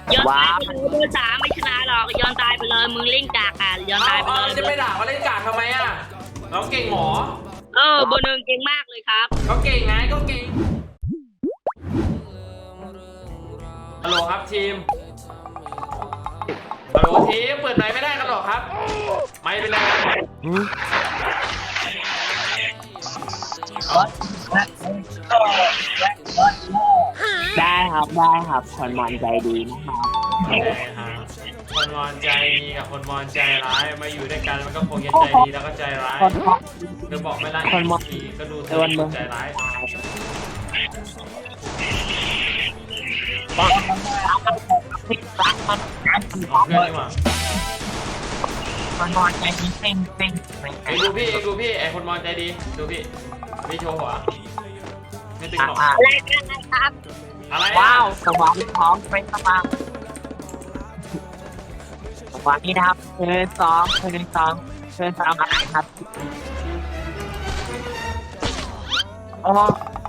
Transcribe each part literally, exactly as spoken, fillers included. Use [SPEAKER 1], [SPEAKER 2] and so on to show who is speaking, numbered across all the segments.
[SPEAKER 1] ย้อนตายไปเลยเบอร์สามไม่ชนะหรอกย้อนตายไปเลยมึงเล่นกากอ่ะย้อนตายไปเลย
[SPEAKER 2] จะไม่ด่าเขาเล่นกากทำไมอ่ะเราเก่งหมอ
[SPEAKER 1] เออเบอร์หนึ่งเก่งมากเลยครับ
[SPEAKER 2] ก็เก่งไงก็เก่งฮัลโหลครับทีมฮัลโหลทีมเปิดไมค์ไม่ได้กันหรอครับไมค์เป็นไร
[SPEAKER 3] ได้ครับได้ครับคนมอนใจดีนะครับ
[SPEAKER 2] คนมอนใจดีกับคนมอนใจร้ายมาอยู่ด้วยกันมันก็คงจะใจดีแล้วก็ใจร้ายเธอบอกไม่ละคนมอนดีก็ดูเธอใจร้ายปังเพื่อนดีกว่า
[SPEAKER 3] คนมอนใจดีเซ็งเซ็ง
[SPEAKER 2] ไอ้ดูพี่ไอ้ดูพี่ไอ้คนมอนใจดีดูพี่พี่โชว์หัวไม่ตึงหรอก
[SPEAKER 1] อะไรครับ
[SPEAKER 2] อะไร
[SPEAKER 3] ว้าวสมองพร้อมเป็นสมองวันนี้นะครับเชิญสองเชิญสองเชิญสามอะไรครับโอ้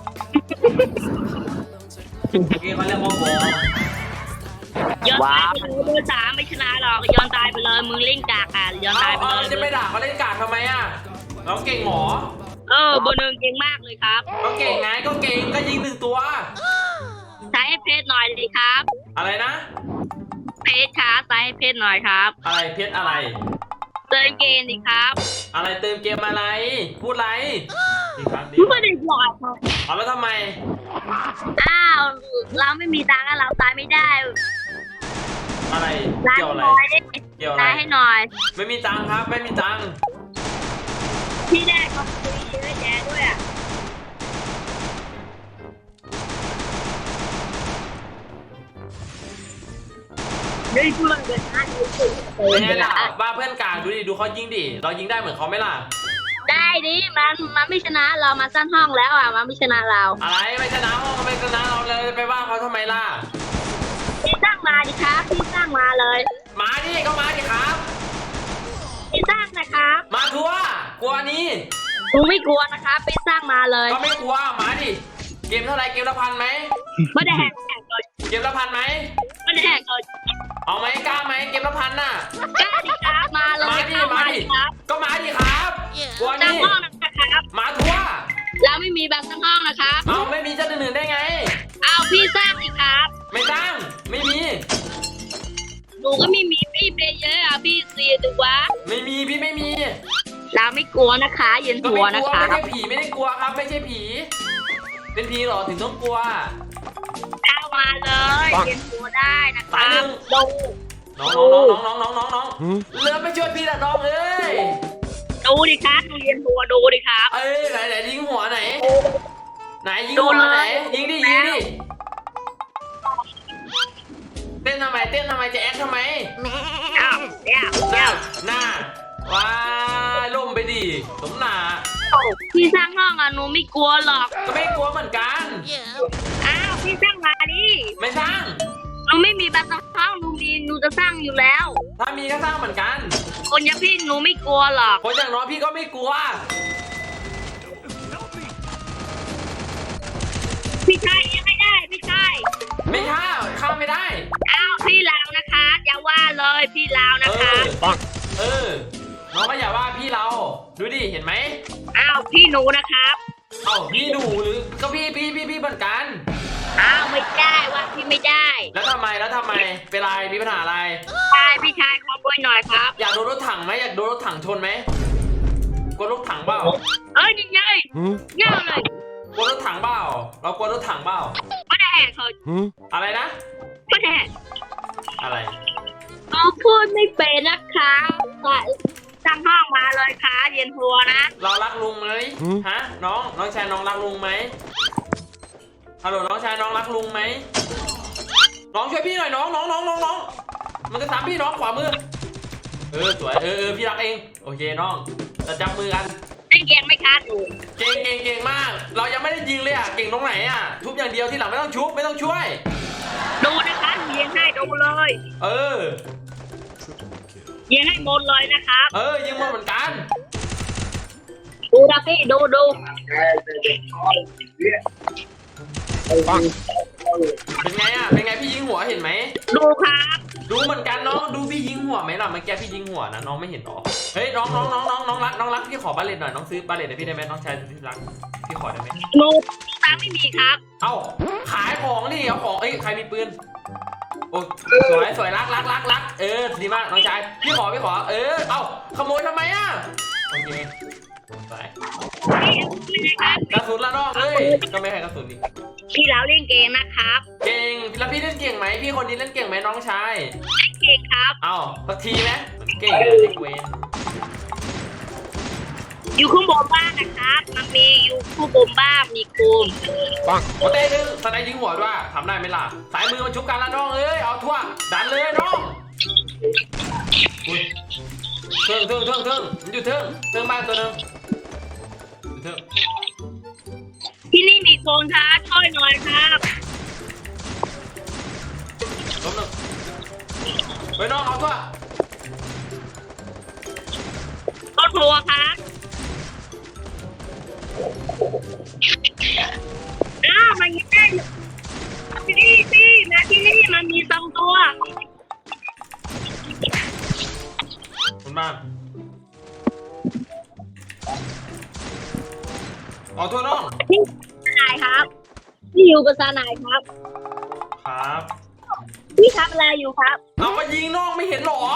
[SPEAKER 2] กี้เขาเรียกว่าโบ
[SPEAKER 1] ย้อนตายไปเลยเบอร์สามไม่ชนะหรอกย้อนตายไปเลยมึงเล่นกากอ่ะย้อนตายไปเลย
[SPEAKER 2] จะไม่ด่าเขาเล่นกากทำไมอ่ะเราเก่งหมอ
[SPEAKER 1] เออเบอร์หนึ่งเก่งมากเลยครับ
[SPEAKER 2] ก็เก่งไงก็เก่งก็ยิงหนึ่งตัว
[SPEAKER 1] ใช้ให้เพชรหน่อยเลยครับ
[SPEAKER 2] อะไรนะ
[SPEAKER 1] เพชรครับใช้ให้เพชรหน่อยครับ
[SPEAKER 2] อะไรเพชรอะไร
[SPEAKER 1] เติมเกมดิครับ
[SPEAKER 2] อะไรเติมเกมอะไรพูดอะไรดีครับดี
[SPEAKER 1] ไม่ได้บอก
[SPEAKER 2] เอาแล้วทำไม
[SPEAKER 1] อ้าวเราไม่มีตังค์เราตายไม่ได้
[SPEAKER 2] อะไรเกี่ยวอะไรเกี่ยวอะไร
[SPEAKER 1] ให้หน่อย
[SPEAKER 2] ไม่มีตังค์ครับไม่มีตังค์
[SPEAKER 1] พี่ได้ก็คุยเยอะแยะด้วยอ่ะได้เพื่อนเลยนะ
[SPEAKER 2] เป็นไงล่ะว่าเพื่อนกลางดูดิดูเขายิงดิเรายิงได้เหมือนเขาไหมล่ะ
[SPEAKER 1] ได้ดิมันมันไม่ชนะเรามาสร้างห้องแล้วอ่ะมันไม่ชนะเรา
[SPEAKER 2] อะไรไม่ชนะห้องไม่ชนะเราเลยไปว่าเขาทำไมล่ะ
[SPEAKER 1] พี่สร้างมาดิครับพี่สร้างมาเลย
[SPEAKER 2] มาดิก็มาดิครับ
[SPEAKER 1] พี่สร้างนะครับ
[SPEAKER 2] มาทัวร์กลัวนี่
[SPEAKER 1] กูไม่กลัวนะครับพี่สร้างมาเลย
[SPEAKER 2] ก็ไม่กลัวมาดิเกมเท่าไรเกมละพันไหม
[SPEAKER 1] ไม่ได้แหกเลย
[SPEAKER 2] เกมละพันไหม
[SPEAKER 1] ไม่ได้แหกเลย
[SPEAKER 2] เอาไหมกล้าไหมเกมละพันน่ะ
[SPEAKER 1] กล้าดิครับมาเลย
[SPEAKER 2] มาดิมาดิก็มาดิครับกลัวนี่มาทัวร์
[SPEAKER 1] เราไม่มีแบบทั้งห้องนะครับ
[SPEAKER 2] เอาไม่มีจะหนึ่งได้ไง
[SPEAKER 1] เอาพี่สร้างดิครับ
[SPEAKER 2] ไม่สร้างไม่มี
[SPEAKER 1] หนูก็ไม่มีพี่เปย์เยอะอ่ะพี่เสียดูวะ
[SPEAKER 2] ไม่มีพี่ไม่มี
[SPEAKER 1] เราไม่กลัวนะคะเย็นหัวนะคะ
[SPEAKER 2] ไม่ใช่ผีไม่ได้กลัวครับไม่ใช่ผีเป็นผีหรอถึงต้องกลัว
[SPEAKER 1] เข้ามาเลยเย็นหัวได้นะคะดู
[SPEAKER 2] น้องน้องน้องน้องน้องน้องน้องเรือไปช่วยพี่ละน้องเอ้ย
[SPEAKER 1] ดูดิครับดูเย็นหัวดูดิครับ
[SPEAKER 2] เอ้ยไหนไหนยิงหัวไหนไหนยิงหัวไหนยิงดิยิงดิเต้นทำไมเต้นทำไมจะแอคทำไม
[SPEAKER 1] อ้าวเนี่ย
[SPEAKER 2] หน้าหน้าว้าล่มไปดิสมหนา
[SPEAKER 1] พี่สร้างห้องอ่ะหนูไม่กลัวหรอก
[SPEAKER 2] ก็ไม่กลัวเหมือนกัน
[SPEAKER 1] อ้าวพี่สร้างมาดิ
[SPEAKER 2] ไม่สร้าง
[SPEAKER 1] หนูไม่มีบัตรห้องหนูมีหนูจะสร้างอยู่แล้ว
[SPEAKER 2] ถ้ามีก็สร้างเหมือนกัน
[SPEAKER 1] คนอย่างพี่หนูไม่กลัวหรอก
[SPEAKER 2] คนอย่างน้อยพี่ก็ไม่กลัว
[SPEAKER 1] พี่ชายยังไม่ได้พี่ชาย
[SPEAKER 2] ไม่ข้าข้าไม่ได้
[SPEAKER 1] อ้าวพี่ลาวนะคะอย่าว่าเลยพี่ลาวนะคะ
[SPEAKER 2] เออน้องก็อย่าว่าพี่เราดูดิเห็นไหม
[SPEAKER 1] อ้าวพี่หนูนะครับ
[SPEAKER 2] อ้าวพี่หนูหรือก็พี่พี่พี่พี่เหมือนกัน
[SPEAKER 1] อ้าวไม่ได้ว่าพี่ไม่ได้
[SPEAKER 2] แล้วทำไมแล้วทำไมเป็นไรมีปัญหาอะไร
[SPEAKER 1] ใช่พี่ชายขอบ่อยหน่อยครับ
[SPEAKER 2] อยากโดนรถถังไหมอยากโดนรถถังชนไหมกลัวรถถังเปล่า
[SPEAKER 1] เอ้ยยังไงเง่าเลย
[SPEAKER 2] กลัวรถถังเปล่าเรากลัวรถถังเปล่า
[SPEAKER 1] ไม่ได้แหกเขา
[SPEAKER 2] อะไรนะ
[SPEAKER 1] ไม่ได้
[SPEAKER 2] อะไร
[SPEAKER 1] เขาพูดไม่เป็นนะคะสร้างห้องมาเลยค่ะเย็นหัวนะ
[SPEAKER 2] เรารักลุงไหมฮะน้องน้องชายน้องรักลุงไหมฮัลโหลน้องชายน้องรักลุงไหมน้องช่วยพี่หน่อยน้องน้องน้องน้องน้องมันจะตามพี่น้องขวามือเออสวยเออเออพี่รักเองโอเคน้องจะจับมือกัน
[SPEAKER 1] เก่งไหมคะหนู
[SPEAKER 2] เก่งเก่งเก่งมากเรายังไม่ได้ยิงเลยอ่ะเก่งตรงไหนอ่ะทุบอย่างเดียวที่หลังไม่ต้องชุบไม่ต้องช่วย
[SPEAKER 1] ดูนะคะยิงให้ดูเลย
[SPEAKER 2] เออ
[SPEAKER 1] ยิงให้หมดเลยนะคะ
[SPEAKER 2] เออยิงหมดเหมือนกัน
[SPEAKER 1] ดูนะพี่ดูดู
[SPEAKER 2] เป็นไงอ่ะเป็นไงพี่ยิงหัวเห็นไหม
[SPEAKER 1] ดูครับ
[SPEAKER 2] ดูเหมือนกันน้องดูพี่ยิงหัวไหมล่ะเมื่อกี้พี่ยิงหัวนะน้องไม่เห็นหรอเฮ้ยน้องน้องน้องน้องน้องรักน้องรักพี่ขอบาเลตหน่อยน้องซื้อบาเลตให้พี่ได้ไหมน้องชายที่รักพี่ขอได้ไหม
[SPEAKER 1] โน้ตตังไม่มีครับ
[SPEAKER 2] เอ้าขายของนี่เอาของเอ้ยใครมีปืนโอ้สวยสวยรักรักรักรักเออดีมากน้องชายพี่ขอพี่ขอเออเอ้าขโมยทำไมอ่ะโอเคไป
[SPEAKER 1] พี่ครับ
[SPEAKER 2] กระสุนละน้องเอ้ยก็ไม่ให้กระสุนอีก
[SPEAKER 1] พี่เราเล่นเกมนะครับ
[SPEAKER 2] เก่งแล้วพี่เล่นเก่งไหมพี่คนนี้เล่นเก่งไหมน้องชาย
[SPEAKER 1] เล่นเกมครับ
[SPEAKER 2] เอ้าสักทีไหมมันเก่งเลยเด็กเวน
[SPEAKER 1] อยู่ข้างบนบ้านนะครับ มันมีอยู่ข้างบนบ้านมีคูม
[SPEAKER 2] ปังโอเต้ดึงสไนยิงหัวด้วยทำได้ไหมล่ะสายมือมันชุบกันละน้องเอ้ยเอาทั่วดันเลยน้องอุ้ยเทิงเทิงเทิงเทิงมันอยู่เทิงเทิงบ้านตัวนึงอยู่เทิง
[SPEAKER 1] ที่นี่มีโคนครับช่วยหน่อยครับ
[SPEAKER 2] ล้มหนึ่งเฮ้ยน้องเอาทั่ว
[SPEAKER 1] ก็ครัวครับอ้าวมันยังได้ที่นี่พี่มาที่นี่มันมีสองตัว
[SPEAKER 2] คุณบ้านเอาทั่วน้อง
[SPEAKER 1] พี่นายครับพี่อยู่ภาษาไหนครับ
[SPEAKER 2] ครับ
[SPEAKER 1] พี่ทำอะไรอยู่ครับ
[SPEAKER 2] เอามายิงน้องไม่เห็นหรอ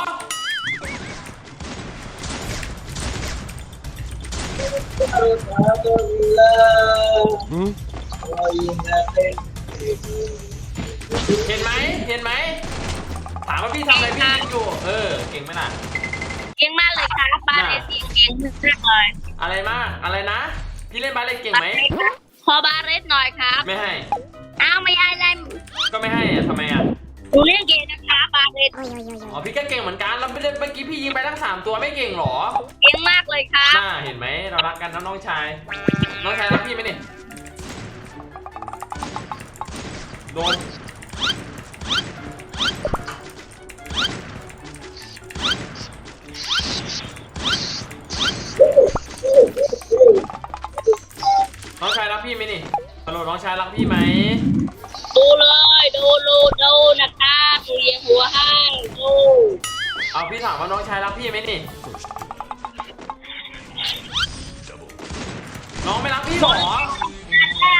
[SPEAKER 2] เห็นไหมเห็นไหมถามว่าพี่ทำอะไรพี่ยิงอยู่เออเก่งไหมล่ะ
[SPEAKER 1] เก่งมากเลยครับบ้านเลนเสียงเก่งมากเลย
[SPEAKER 2] อะไรมากอะไรนะพี่เล่นบาสเล่นเก่งไหม
[SPEAKER 1] ขอบาเรสหน่อยครับ
[SPEAKER 2] ไม่ให้
[SPEAKER 1] อ้าวไม่ได้เลย
[SPEAKER 2] ก็ไม่ให้อะทำไมอะ
[SPEAKER 1] หนูเล่นเกมนะครับบาเรส
[SPEAKER 2] อ๋อพี่ก็เก่งเหมือนกันแล้วเมื่อกี้พี่ยิงไปทั้งสามตัวไม่เก่งหรอ
[SPEAKER 1] เก่งมากเลยครับ
[SPEAKER 2] น่าเห็นไหมเรารักกันนะน้องชายน้องชายรักพี่ไหมเนี่ยโดนน้องชายรักพี่ไหมนี่ฮัลโหลน้องชายรักพี่ไหม
[SPEAKER 1] ดูเลยดูดูดูนะครับหนูเลี้ยงหัวให้ดู
[SPEAKER 2] เอาพี่ถามว่าน้องชายรักพี่ไหมนี่น้องไม่รักพี่หรอ
[SPEAKER 1] แล้ว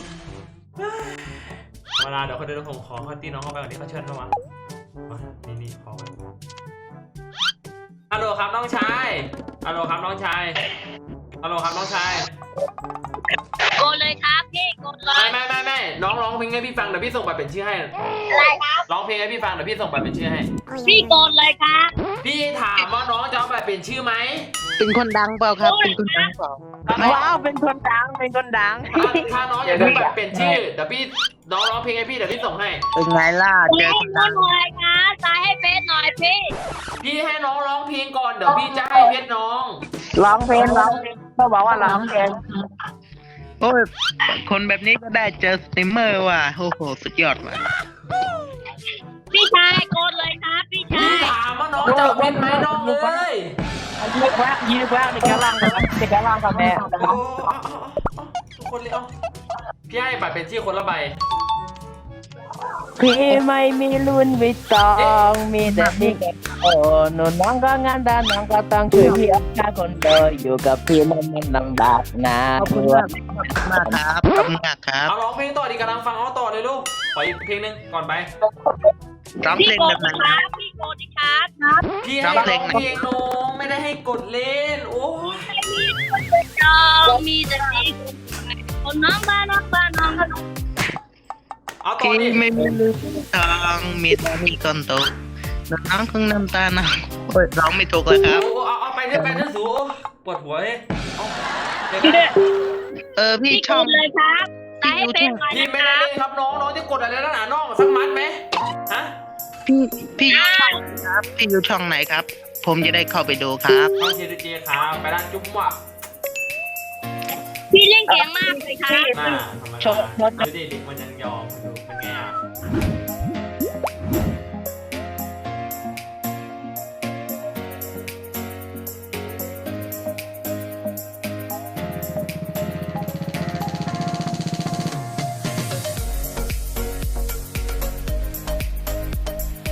[SPEAKER 2] เวลาเดี๋ยวเขาเดินผมขอเขาตีน้องเข้าไปก่อนที่เขาเชิญเข้ามามานี่นี่ขอไปฮัลโหลครับน้องชายฮัลโหลครับน้องชายฮัลโหลครับน้องชาย
[SPEAKER 1] โกนเลยครับพี่โกนเล
[SPEAKER 2] ไม่
[SPEAKER 1] ย
[SPEAKER 2] ไม่ไม่ไม่น้องร้องเพลงให้พี่ฟังเดี๋ยวพี่ส่งบัตรเป็นชื่อให้
[SPEAKER 1] อะไรครับ
[SPEAKER 2] ร้องเพลงให้พี่ฟังเดี๋ยวพี่ส่งบัตรเป็นชื่อให้
[SPEAKER 1] พี่โกนเลยครับ
[SPEAKER 2] พี่ถามว่าน้องจะเอาบัตรเป็นชื่อไหม
[SPEAKER 4] เป็นคนดังเปล่าครับ เป็นคนดังเปล่า
[SPEAKER 2] ถ้าน้อง
[SPEAKER 3] ว้าวเป็นคนดังเป็นคนดัง
[SPEAKER 2] ถ้าถ้าน้องอยากได้บัตรเป็นชื่อเดี๋ยวพี่น้องร้องเพลงให้พี่เดี๋ยวพี่ส่งให้
[SPEAKER 4] เป็นไงล่ะ เจ
[SPEAKER 1] เล่
[SPEAKER 4] อน คน
[SPEAKER 1] โก
[SPEAKER 4] ดั
[SPEAKER 1] น
[SPEAKER 4] ง
[SPEAKER 1] หน่อยครับตายให้เฟซหน่อยพี่
[SPEAKER 2] พี่ให้น้องร้องเพลงก่อนเดี๋ยวพี่จะให้เพชรน้อง
[SPEAKER 3] ร้องเพลงร้องเพลงก็บอกว่าร้องเพลง
[SPEAKER 4] โอ้ย คนแบบนี้ก็ได้เจอสตรีมเมอร์ว่ะ โอ้โห สุดยอดว่ะ
[SPEAKER 1] พี่ชายโกนเลยครับพี่ชา
[SPEAKER 2] พี่
[SPEAKER 1] ย
[SPEAKER 2] ถามว่าน้องจะเอาเพชรไหมน้องเลย
[SPEAKER 3] ยืดแวะยืดแวะในกระลังในกระลังกับแม่
[SPEAKER 2] โอ้เอาเอาเอาทุกคนเลยเอาพี่ให้บัตรเป็นชื่อคนละใบ
[SPEAKER 3] พี่ไม่มีรุ่นวิตองมีแต่พี่แกโอ้หนูน้องก็งานด้านน้องก็ต้องช่วยพี่อัพค่าคนเดียวอยู่กับพี่มันมันลำบากนะขอบคุณมาก
[SPEAKER 4] มากครับ ขอบคุณมากครับ
[SPEAKER 2] เอาร้องเพลงต่อดีกำลังฟังเขาต่อเลยลูกขออีกเพลงหนึ่งก่อนไป
[SPEAKER 4] ร้อง
[SPEAKER 1] พี่
[SPEAKER 4] เพลง
[SPEAKER 1] โก
[SPEAKER 4] แบ
[SPEAKER 1] น
[SPEAKER 4] บไหน
[SPEAKER 1] ครับพี่โกนครับครับ
[SPEAKER 2] พี่ให้ร้องเพลงน้องไม่ได้ให้กดเล่นโอ้ย
[SPEAKER 1] น้องมีแต่พี่คนน้องบ้านน้องบ้านน้องก็น้อง
[SPEAKER 2] เอาต่อ
[SPEAKER 4] พี่
[SPEAKER 2] ดิ
[SPEAKER 4] ไม่มีลืมทางมีแต่มีคนโตน้องคงน้ำตาหนะโอ้ยร้องไม่ถูกเลยครับ
[SPEAKER 2] โอ้เอาเอาไปเรื่อยไปเรื่อยสูปวดหัวเลยเอาเดี๋ยว
[SPEAKER 1] พี่
[SPEAKER 2] นะ
[SPEAKER 4] เออ พี่
[SPEAKER 1] พี่โก
[SPEAKER 4] ช่อง
[SPEAKER 1] นเลยครับตายให้เฟซหน่อย
[SPEAKER 2] พี่
[SPEAKER 1] นะ
[SPEAKER 2] ไม่
[SPEAKER 1] ค
[SPEAKER 2] ได้
[SPEAKER 1] รับ
[SPEAKER 2] เล่นครับน้องน้องจะกดอะไรแล้วหนาน้องสักมัดไหมฮะ
[SPEAKER 4] พี่พี่อยู่ช่องครับ พี่อยู่ช่องไหนครับ ผมจะได้เข้าไปดูครับ
[SPEAKER 2] น้องเจดีเจครับไปร้านจุ๊บว่ะ
[SPEAKER 1] พี่เล่นเก่งมากเลยครับ
[SPEAKER 2] น่าธรรมดาดูดิเด็กมันยังยอมดู